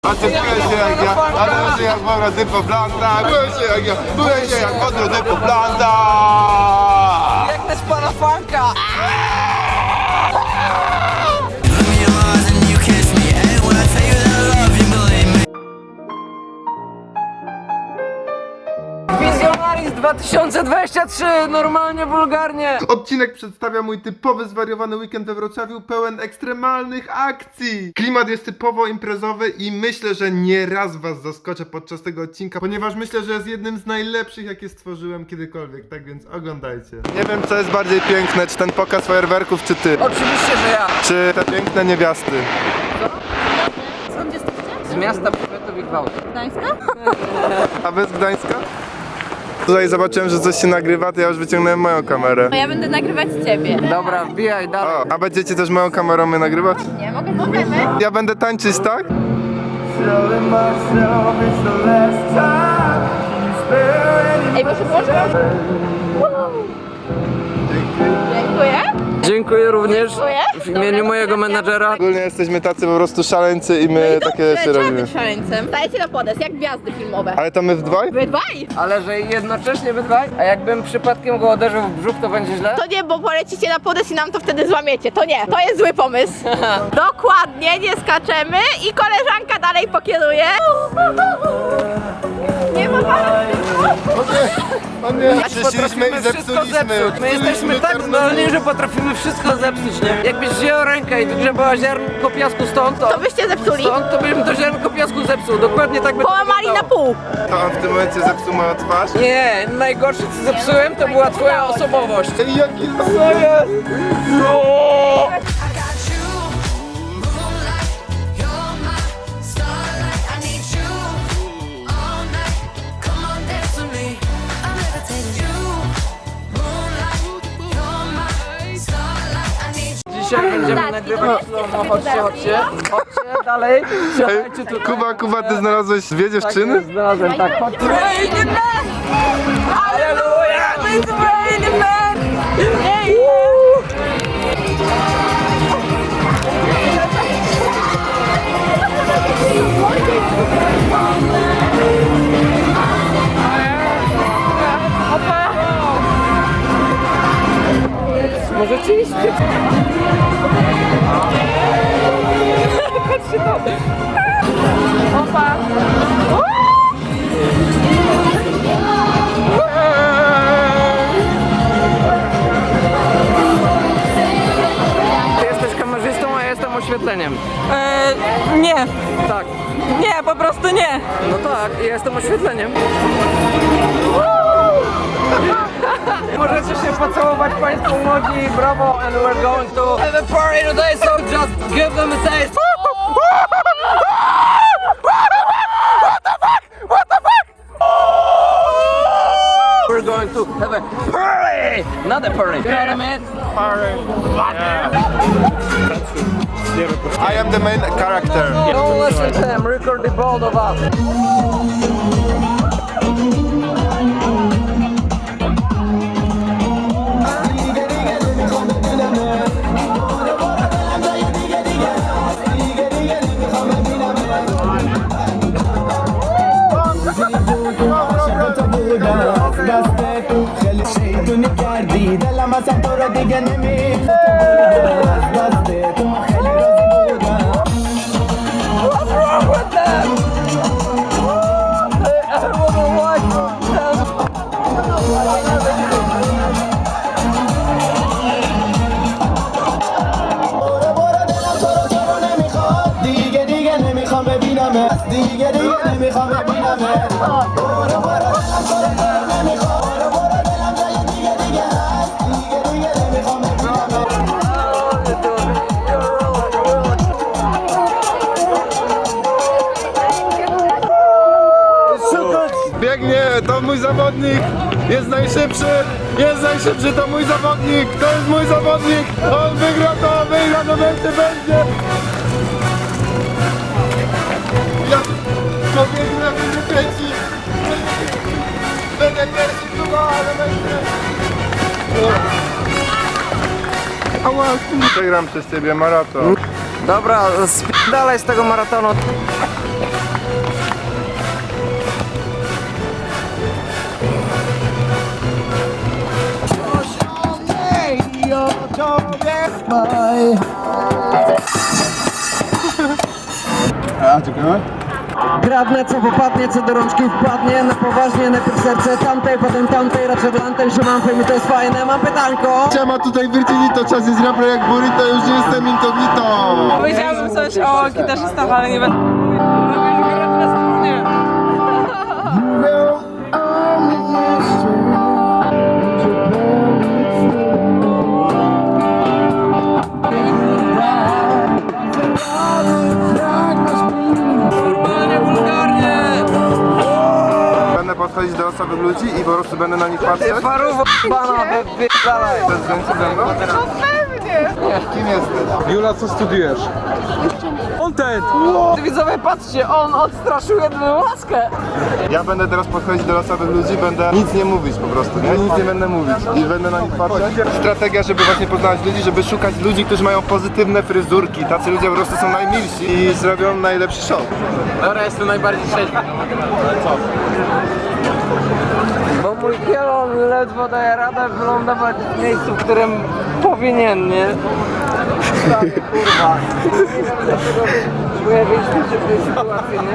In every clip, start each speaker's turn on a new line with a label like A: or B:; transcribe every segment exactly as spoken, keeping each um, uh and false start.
A: A ty byłeś się jak ja, a ty byłeś się jak Mauro Typo Blanda, byłeś się jak ja, byłeś się jak Mauro Typo Blanda.
B: Jak też pana fanka! Wizjonaris dwa tysiące dwadzieścia trzy, normalnie, wulgarnie.
A: Odcinek przedstawia mój typowy zwariowany weekend we Wrocławiu, pełen ekstremalnych akcji. Klimat jest typowo imprezowy i myślę, że nie raz was zaskoczę podczas tego odcinka, ponieważ myślę, że jest jednym z najlepszych, jakie stworzyłem kiedykolwiek, tak więc oglądajcie. Nie wiem, co jest bardziej piękne, czy ten pokaz fajerwerków, czy ty.
B: Oczywiście, że ja.
A: Czy te piękne niewiasty.
C: Skąd jesteście?
B: Z miasta powiatu i gwałtu.
C: Gdańska?
A: A wy z Gdańska? Tutaj zobaczyłem, że coś się nagrywa, to ja już wyciągnąłem moją kamerę.
C: No ja będę nagrywać ciebie.
B: Dobra, wbijaj dalej.
A: O, a będziecie też moją kamerą mnie nagrywać?
C: Nie, mogę, możemy.
A: Ja będę tańczyć, tak?
C: Ej, może włączę? Dziękuję.
B: Dziękuję również
C: Dziękuję.
B: w imieniu mojego menadżera.
A: Ogólnie jesteśmy tacy po prostu szaleńcy i my takie rzeczy
C: Trzeba
A: robimy.
C: być szaleńcem. Stajecie na podest, jak gwiazdy filmowe.
A: Ale to my w dwaj?
C: Wy dwaj?
B: Ale że jednocześnie wy dwaj? A jakbym przypadkiem go uderzył w brzuch, to będzie źle?
C: To nie, bo polecicie na podest i nam to wtedy złamiecie. To nie, to jest zły pomysł. Dokładnie, nie skaczemy i koleżanka dalej pokieruje. Nie ma pana.
A: O nie,
B: Potrafimy
A: przyszliśmy i
B: wszystko
A: zepsuliśmy.
B: zepsuć. My jesteśmy tak zdolni, że potrafimy wszystko zepsuć, nie? Jakbyś wzięła rękę i wygrzebała ziarnko piasku stąd, to,
C: To byście zepsuli.
B: stąd, to bym to ziarnko piasku zepsuł. Dokładnie tak by to
C: Połamali na
B: wyglądało.
C: pół.
A: To on w tym momencie zepsuł moją twarz.
B: Nie, najgorsze co zepsułem to była twoja osobowość.
A: Ej, jaki co jest? No!
B: Dzisiaj będziemy nagrywać slow-mo, chodźcie, chodźcie, chodźcie dalej, siadajcie
A: Ej,
B: tutaj.
A: Kuba, Kuba, ty znalazłeś dwie dziewczyny?
B: Znalazłem, tak, chodźcie. Aleluja! It's raining man! Możecie iść? Patrzcie to! Opa! Ty jesteś kamerzystą, a ja jestem oświetleniem.
D: Eee, nie,
B: Tak.
D: nie, po prostu nie.
B: No tak, ja jestem oświetleniem. Możecie się pocałować państwo młodzi, brawo, and we're going to have a party today, so just give them a taste. We're going to have a party, not a party. You know what I mean?
A: I am the main character.
B: Don't listen to them, record the both of us. What's wrong with them? I don't know what's wrong with them.
E: دیگه دیگه نمیخوام ببینمت دیگه دیگه نمیخوام ببینمت برو برو نمیخوام برو برو دلم جای دیگه دیگه هست دیگه دیگه نمیخوام ببینمت
A: Biegnie, to mój zawodnik, jest najszybszy, jest najszybszy, to mój zawodnik, to jest mój zawodnik, on wygra to, wygra, no będzie, będzie. Ja to biegnę, będzie trzeci, będę pierwszy, Kuba, ale będzie. Ała, przegram przez ciebie maraton.
B: Dobra, sp- dalej z tego maratonu. Kradnę co popadnie, co do rączki wpadnie. Na poważnie, najpierw serce tamtej, potem tamtej. Raczej Atlantem się mam, mi to jest fajne. Mam pytanko.
A: Siema, tutaj Virginito, czas jest rapper jak burrito, już nie jestem incognito.
D: Powiedziałabym coś o gitarzystach, ale nie będę. Lubię grać na strunie. Normalnie, wulgarnie.
A: Będę podchodzić do osoby ludzi i po prostu będę na nich patrzeć.
B: Paruwo bana, wypierdalaj.
A: To jest zdjęcie ze mną? No pewnie! Kim jesteś?
F: Jula, co studiujesz? Content!
B: Widzowie, patrzcie, on odstraszył jedną łaskę.
A: Ja będę teraz podchodzić do osoby ludzi, będę nic nie mówić po prostu, nie? Nic nie będę mówić i będę na nich patrzeć. Strategia, żeby właśnie poznać ludzi, żeby szukać ludzi, którzy mają pozytywne fryzurki. Tacy ludzie po prostu są najmilsi i zrobią najlepszy show.
B: Dobra, jestem najbardziej trzeźwy. Bo mój kielon ledwo daje radę wylądować w miejscu, w którym powinien, nie? Tak, kurwa. Nie wiem dlaczego próbuję wyjść z tej sytuacji, nie?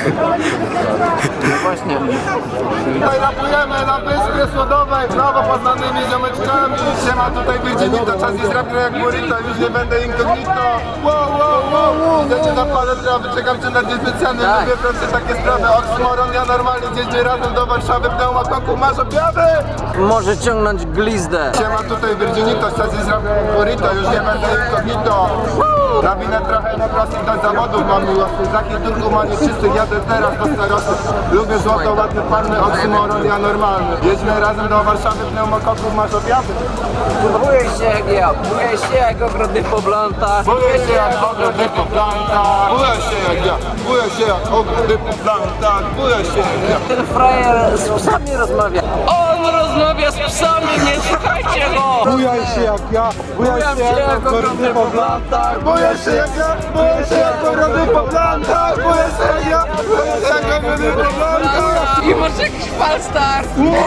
B: No właśnie.
A: Tutaj rapujemy na Wyspie Słodowej z nowo poznanymi ziomeczkami. Siema, tutaj Virginito, czas jest rapper jak burrito, już nie będę incognito. Wow, wow, wow, wow. Idziecie na palę trawy, czekam cię na dzień specjalny,
B: Tak.
A: lubię proste takie sprawy. Oxmoron, ja normalnie jeździę razem do Warszawy, pneumakoku, masz objawy?
B: Może ciągnąć glizdę.
A: Siema, tutaj Virginito, czas jest rapper jak burrito, już nie będę incognito. Nawinę trochę na plastik do zawodów, mam miłosny. Z jakich turków ma nieczystych, jadę teraz do starostów. Lubię złoto, ładne panny, oksymoron, ja normalny. Jedźmy razem do Warszawy, pneumokoków, masz objawy?
B: Buję się jak ja, buję się jak ogrody po blantach.
A: Buję się jak ogrody po plantach. Buję się jak ja, buję się jak ogrody po plantach. Buję się jak ja.
B: Ten frajer z psami rozmawia. On rozmawia z psami, nie słuchajcie go!
F: Bujaj się jak ja, bujaj
B: Bujam
F: się
B: się
F: jak
B: jak ogrody po blantach.
A: Buję się jak ja, buję się jak ogrody po plantach. Buję się jak ja, buję się jak ogrody po plantach.
B: I masz jakiś falstart.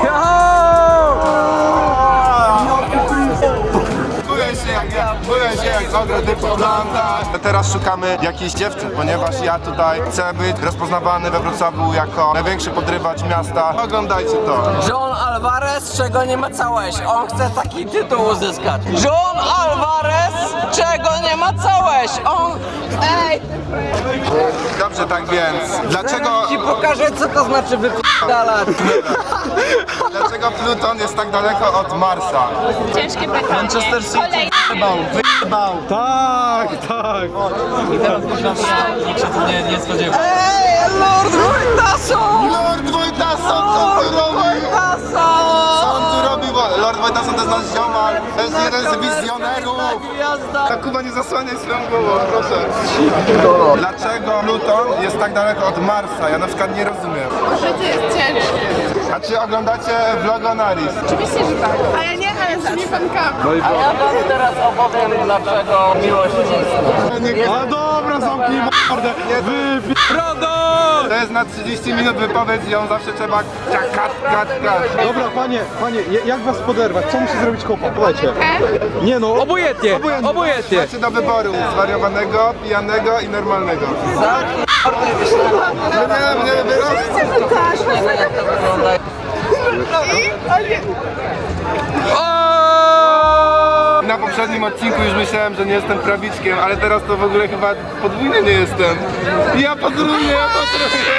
A: Buję się jak ja, buję się jak ogrody po plantach. Teraz szukamy jakiejś dziewczyn, ponieważ ja tutaj chcę być rozpoznawany we Wrocławiu jako największy podrywacz miasta. Oglądajcie to.
B: John Alvarez, czego nie macałeś? On chce taki tytuł uzyskać. John Alvarez, czego nie macałeś? On... Ej!
A: Dobrze, tak więc, dlaczego,
B: Ci pokażę, co to znaczy wyp***dalać.
A: dlaczego Pluton jest tak daleko od Marsa?
C: Ciężkie pytanie. Manchester City
A: Wyjebał.
F: Tak, tak!
B: Ej, Lord Wojtason!
A: Lord Wojtason, co tu robi? Co on tu robi? Bo Lord Wojtason to jest nasz ziomal, to jest jeden z wizjonerów. Ta Kuba, nie zasłaniaj swoją głową, proszę. Dlaczego Pluton jest tak daleko od Marsa? Ja na przykład nie rozumiem.
C: Życie jest ciężkie.
A: A czy oglądacie Vlogonaris?
C: Oczywiście, że tak. Ale nie, ale z tymi fankami.
B: A ja wam teraz opowiem, dlaczego miłość istnieje.
F: A dobra, zamknij mordę! Wypi...
A: To jest na trzydzieści minut wypowiedź i ją zawsze trzeba kat, kat, kat.
F: Dobra, panie, panie, ja- jak was poderwać? Co musi zrobić kopa? Podajcie. Nie no, obojętnie, obojętnie.
A: Macie do wyboru zwariowanego, pijanego i normalnego. No nie, nie wybierasz.
B: Nie wiem, jak to wygląda.
A: Na poprzednim odcinku już myślałem, że nie jestem prawiczkiem, ale teraz to w ogóle chyba podwójnie nie jestem. Ja podróżuję, ja podróżuję.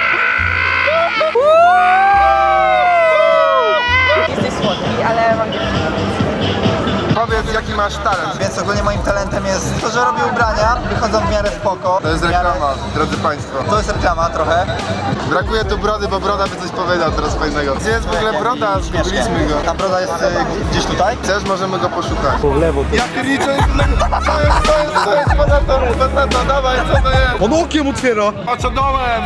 C: Jesteś słodki, ale mam
A: Powiedz, jaki masz talent.
G: Więc ogólnie moim talentem jest to, że robię ubrania, wychodzą w miarę spoko.
A: To jest
G: w miarę...
A: reklama, drodzy Państwo.
G: To jest reklama trochę.
A: Brakuje tu brody, bo broda by coś powiedział teraz fajnego. Gdzie jest w ogóle broda? Zgubiliśmy go.
G: Ta broda jest y, gdzieś tutaj.
A: Chcesz, możemy go poszukać. Po lewo. Ja pierniczę, co jest, co jest, co jest, ponadto, ponadto, dawaj, co to jest?
F: On okiem otwiera!
A: Oczodołem!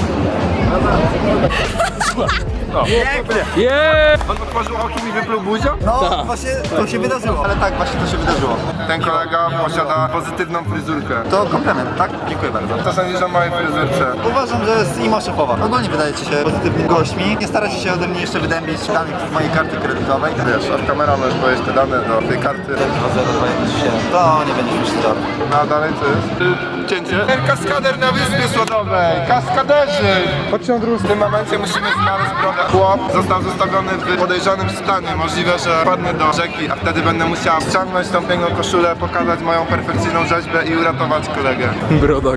A: On otworzył okiem i wypluł buzią?
G: No właśnie to się wydarzyło. Ale tak, właśnie to się wydarzyło.
A: Ten kolega posiada pozytywną fryzurkę.
G: To komplement, tak? Dziękuję bardzo.
A: Co sądzisz o mojej fryzurce?
G: Uważam, że jest ima szefowa. Ogólnie wydajecie się pozytywnymi gośćmi. Nie staracie się ode mnie jeszcze wydębić danych z mojej karty kredytowej.
A: Wiesz, od kamera możesz powiedzieć te dane do tej karty.
G: To nie będzie już żart.
A: No a dalej co jest? cięcie. Ten kaskader na Wyspie Słodowej. Kaskaderzy!
F: Chodźcie na drugą
A: W tym momencie musimy znaleźć brodę. Chłop został zostawiony w podejrzanym stanie. Możliwe, że padnie do rzeki, a wtedy będę musiał ściągnąć tą piękną koszulę, pokazać moją perfekcyjną rzeźbę i uratować kolegę.
F: Broda,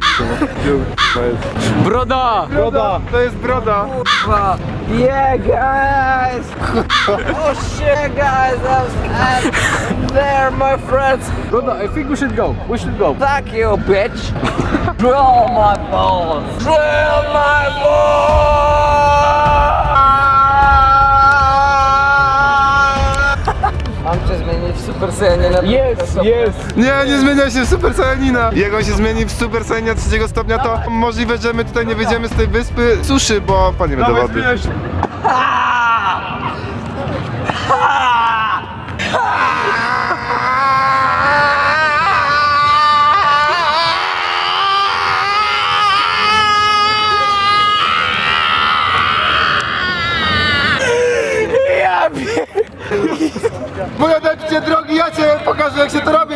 F: Broda!
A: Broda! To jest broda!
B: Kurwa. Yeah, guys! Oh shit, guys! I'm, I'm there, my friends!
F: Broda, I think we should go. We should go.
B: Fuck you, bitch! Drill my balls! Drill my balls! Mam cię zmienić w Super Saiyanie na
F: Yes, yes.
A: Nie, nie zmienia się w Super Saiyanina. Jak on się zmieni w Super Saiyana trzeciego stopnia, to możliwe, że my tutaj nie wyjdziemy z tej wyspy suszy, bo wpadniemy do wody. Moja dajcie drogi, ja cię pokażę, jak się to robi.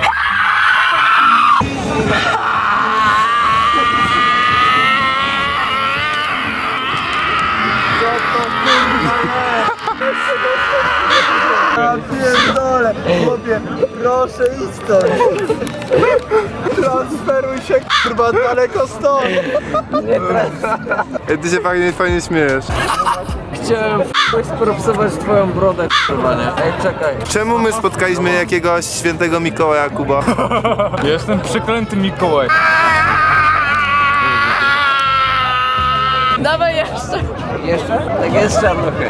B: Ja pierdolę, chłopie, proszę idź stąd. Transferuj się, kurwa, daleko stąd. Nie
A: Ej, ty się fajnie, fajnie śmiejesz.
B: Chciałem f***ać spropsować twoją brodę, kurwa, nie? Ej, czekaj.
A: Czemu my spotkaliśmy jakiegoś świętego Mikołaja, Kuba?
F: Jestem przeklęty Mikołaj.
D: Dawaj jeszcze.
B: Jeszcze? Tak jest czarnuchy.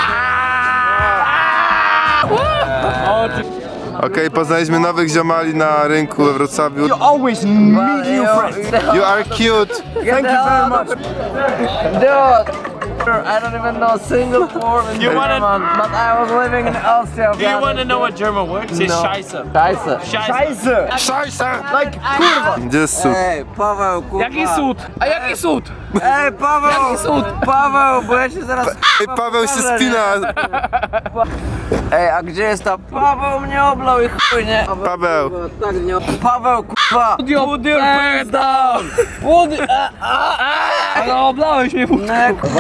A: Okej, poznaliśmy nowych ziomali na rynku we Wrocławiu.
F: Always meet new friends.
A: You are cute.
B: Thank you very much. Dude. I don't even know a single word in
H: You wanna-
B: German, but I was living in Austria.
H: Do you want to know what German word? It's
B: No.
H: Scheiße.
B: Scheiße.
H: Scheiße.
A: Szajsa! Like, kurwa! Gdzie jest sód?
B: Ej, Paweł, kurwa.
F: Jaki cud? A jaki cud?
B: Ej, Paweł! Jaki cud? Paweł, bo ja się zaraz...
A: Ej, Paweł się
B: pokażę,
A: spina!
B: nie? Ej, a gdzie jest ta... Paweł mnie oblał i chuj, nie?
A: Paweł.
B: Tak, nie... Paweł, kurwa!
F: Put your pants down!
B: Put...
F: Ale oblałeś mnie,
B: Nie, kurwa.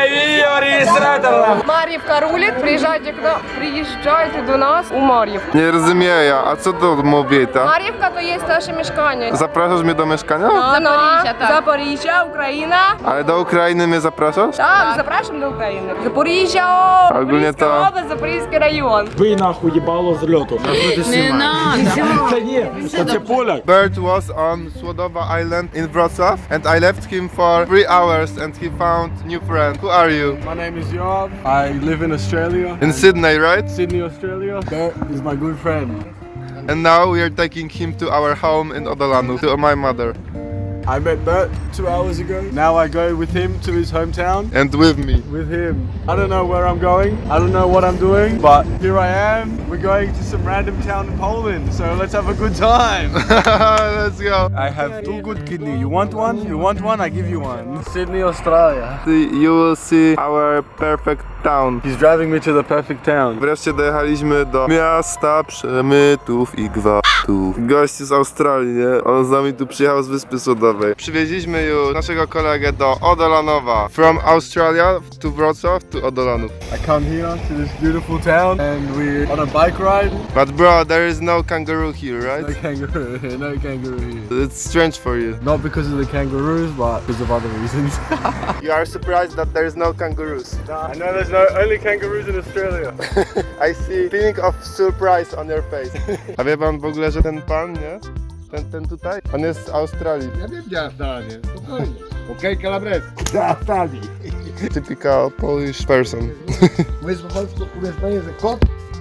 D: Мар'ївка рулить, приїжджайте к нам, приїжджайте до нас у Мар'ївку.
A: Nie rozumiem ja, a co to mówi ta?
D: Мар'ївка то є наше мешкання.
A: Zapraszasz mnie do mieszkania?
D: Запоріжжя, так. Запоріжжя, Україна.
A: Ale do Ukrainy mnie zapraszasz?
D: Так, запрошуємо до України. Запоріжжя,
A: Ogólnie
D: Запорізька
A: to...
D: область, Запорізький район.
F: Ви нахуй їбало з льоту. Не надо. Це ні, це поляк.
A: Bert was on Słodowa Island in Wrocław and I left him for three hours and he found new friend. Who are you?
I: My name is Yoav. I live in Australia,
A: In Sydney, right?
I: Sydney, Australia. Bert is my good friend.
A: And now we are taking him to our home in Odolanów, to my mother.
I: I met Bert two hours ago. Now I go with him to his hometown.
A: And with me.
I: With him. I don't know where I'm going. I don't know what I'm doing, but here I am. We're going to some random town in Poland. So let's have a good time.
A: Let's go.
I: I have two good kidney. You want one? You want one? I give you one. Sydney, Australia.
A: You will see our perfect town.
I: He's driving me to the perfect town.
A: Wreszcie dojechaliśmy do miasta przemytów i gwałtów. Gość z Australii, nie? On z nami tu przyjechał z Wyspy Słodowej. Przywieźliśmy już naszego kolegę do Odolanowa. From Australia to Wrocław to Odolanów.
I: I come here to this beautiful town and we're on a bike ride.
A: But bro, there is no kangaroo here,
I: No
A: right?
I: kangaroo here, no kangaroo here.
A: It's strange for you.
I: Not because of the kangaroos, but because of other reasons.
A: You are surprised that there is no kangaroos.
I: I know there's no only kangaroos in Australia.
A: I see feeling of surprise on your face. A wie pan w ogóle, że ten pan, nie? Ten, ten tutaj? On jest z Australii.
J: Ja wiem, gdzie Australię, spokojnie. Okej, Calabres. Z Australii.
A: Typical Polish person.
J: Mówisz po polsku, umiesz że kot?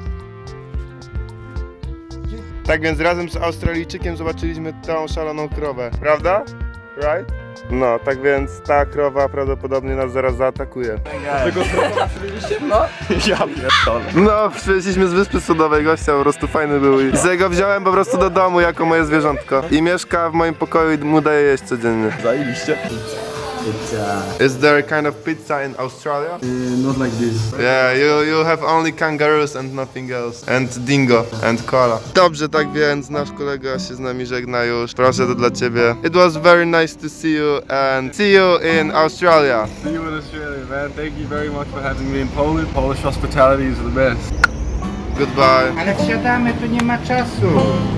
A: Tak więc razem z Australijczykiem zobaczyliśmy tą szaloną krowę, prawda? Right? No, tak więc ta krowa prawdopodobnie nas zaraz zaatakuje.
F: Tego krowa przywieźliście? No. Ja pierdolę.
A: No, przywieźliśmy z Wyspy Słodowej gościa, po prostu fajny był i sobie go wziąłem po prostu do domu jako moje zwierzątko. I mieszka w moim pokoju i mu daję jeść codziennie.
F: Zajebiście.
K: It's uh,
A: Is there a kind of pizza in Australia?
K: not like this.
A: Yeah, you, you have only kangaroos and nothing else. And dingo and koala. Dobrze, tak więc nasz kolega się z nami żegna już. Proszę, to dla ciebie. It was very nice to see you and see you in Australia.
I: See you in Australia, man. Thank you very much for having me in Poland. Polish hospitality is the best.
A: Goodbye.
J: Ale wsiadamy, tu nie ma czasu.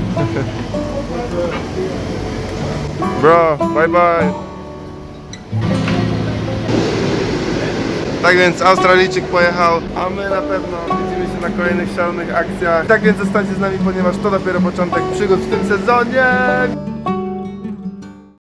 A: Bro, bye bye. Tak więc Australijczyk pojechał, a my na pewno widzimy się na kolejnych szalonych akcjach. Tak więc zostańcie z nami, ponieważ to dopiero początek przygód w tym sezonie.